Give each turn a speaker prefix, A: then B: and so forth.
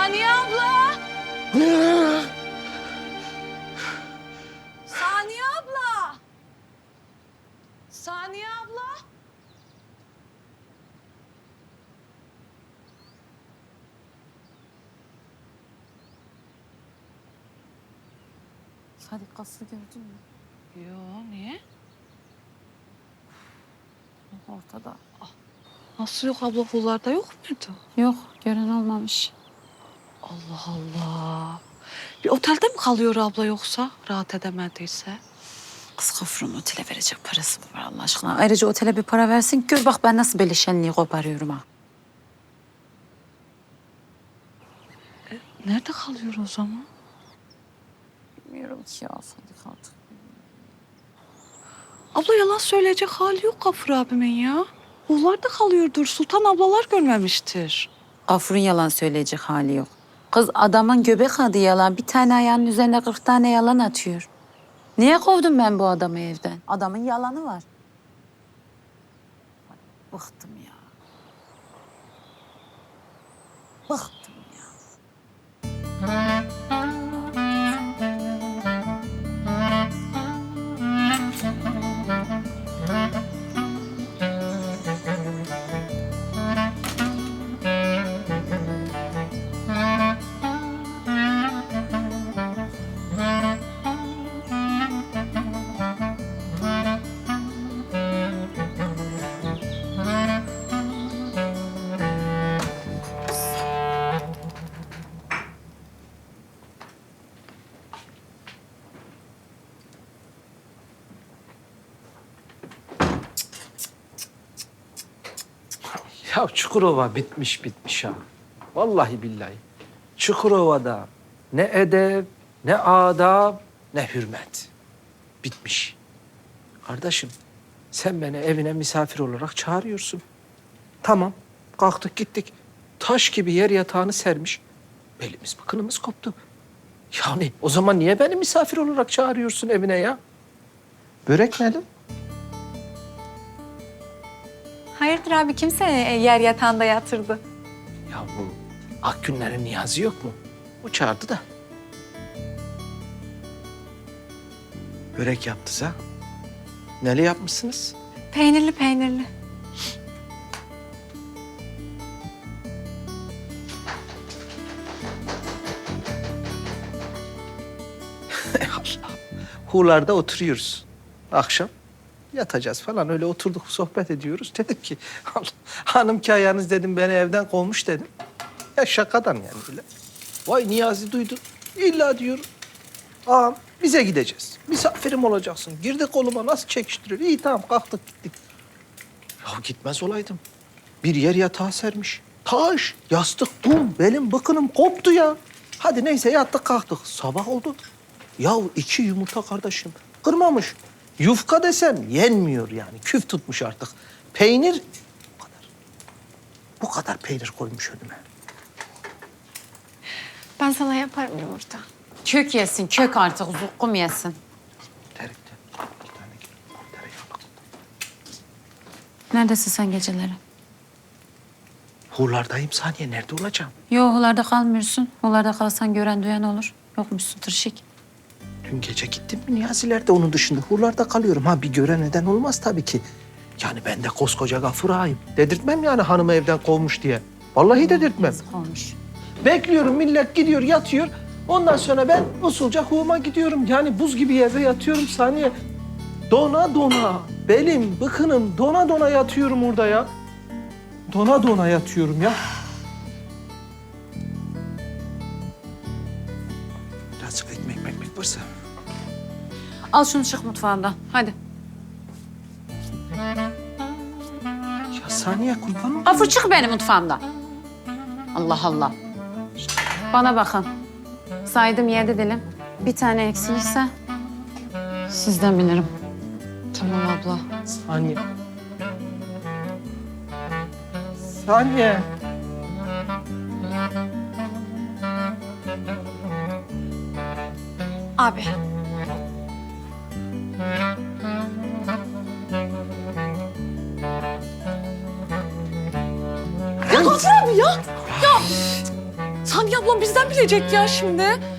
A: Saniye abla! Saniye abla! Saniye abla!
B: Sadikası gördün mü?
A: Yo, niye?
B: Ortada.
A: Nasıl yok abla, kullarda yok muydu?
B: Yok, gören olmamış.
A: Allah Allah. Bir otelde mi kalıyor abla yoksa rahat edemediyse?
B: Kız Gafur'un otele verecek parası mı var Allah aşkına? Ayrıca otele bir para versin. Gör bak ben nasıl böyle şenliği koparıyorum ha.
A: Nerede kalıyor o zaman?
B: Bilmiyorum ki ya Sadik artık.
A: Abla yalan söyleyecek hali yok Gafur abimin ya. Kullarda kalıyordur. Sultan ablalar görmemiştir.
B: Gafur'un yalan söyleyecek hali yok. Kız adamın göbek adı yalan. Bir tane ayağının üzerine 40 tane yalan atıyor. Niye kovdum ben bu adamı evden? Adamın yalanı var. Bıktım ya. Bıktım ya.
C: Ya Çukurova bitmiş ha. Vallahi billahi. Çukurova'da ne edep, ne adab, ne hürmet. Bitmiş. Kardeşim, sen beni evine misafir olarak çağırıyorsun. Tamam, kalktık gittik. Taş gibi yer yatağını sermiş. Belimiz bıkınımız koptu. Yani o zaman niye beni misafir olarak çağırıyorsun evine ya? Börek nerede?
D: Hayırdır abi kim seni yer yatağında yatırdı?
C: Ya bu Akgünlerin Niyazi yok mu? O çağırdı da. Börek yaptınız ha? Neli yapmışsınız?
D: Peynirli peynirli.
C: Allah. Huğlarda oturuyoruz. Akşam yatacağız falan. Öyle oturduk sohbet ediyoruz. Dedim ki Allah, hanım ki ayağınız dedim beni evden kovmuş dedim. Ya şakadan yani öyle. Vay Niyazi duydu. İlla diyor. Ağam bize gideceğiz. Misafirim olacaksın. Girdi koluma nasıl çekiştiriyor. İyi tamam kalktık gittik. Ya gitmez olaydım. Bir yer yatağı sermiş. Taş, yastık, bum. Belim bıkınım koptu ya. Hadi neyse yattık kalktık. Sabah oldu. Ya 2 yumurta kardeşim. Kırmamış. Yufka desem yenmiyor yani. Küf tutmuş artık. Peynir bu kadar. Bu kadar peynir koymuş önüme.
D: Ben sana yaparım yumurta.
B: Kök yesin, kök artık. Zukkum yesin.
C: Terikte. 2 tane tereyağlı.
B: Neredesin sen geceleri?
C: Hurlardayım saniye. Nerede olacağım?
B: Yok, hularda kalmıyorsun. Hularda kalsan gören duyan olur. Yokmuşsun tırşık.
C: Dün gece gittim mi Niyaziler'de onun dışında hurlarda kalıyorum. Ha bir gören neden olmaz tabii ki. Yani ben de koskoca Gafur ağayım. Dedirtmem yani hanımı evden kovmuş diye. Vallahi dedirtmem.
B: Yazık olmuş.
C: Bekliyorum millet gidiyor yatıyor. Ondan sonra ben usulca huvuma gidiyorum. Yani buz gibi yerde yatıyorum saniye. Dona dona. Belim, bıkınım dona dona yatıyorum orada ya. Dona dona yatıyorum ya. Birazcık ekmek varsa.
B: Al şunu çık mutfağından. Hadi.
C: Ya saniye kurban ol.
B: Gafur çık benim mutfağımdan. Allah Allah. Bana bakın. Saydım 7 dilim. Bir tane eksilirse sizden bilirim.
A: Tamam abla.
C: Saniye. Saniye.
D: Abi.
A: Ya Gafur abi ya. Saniye ablam bizden bilecek ya şimdi.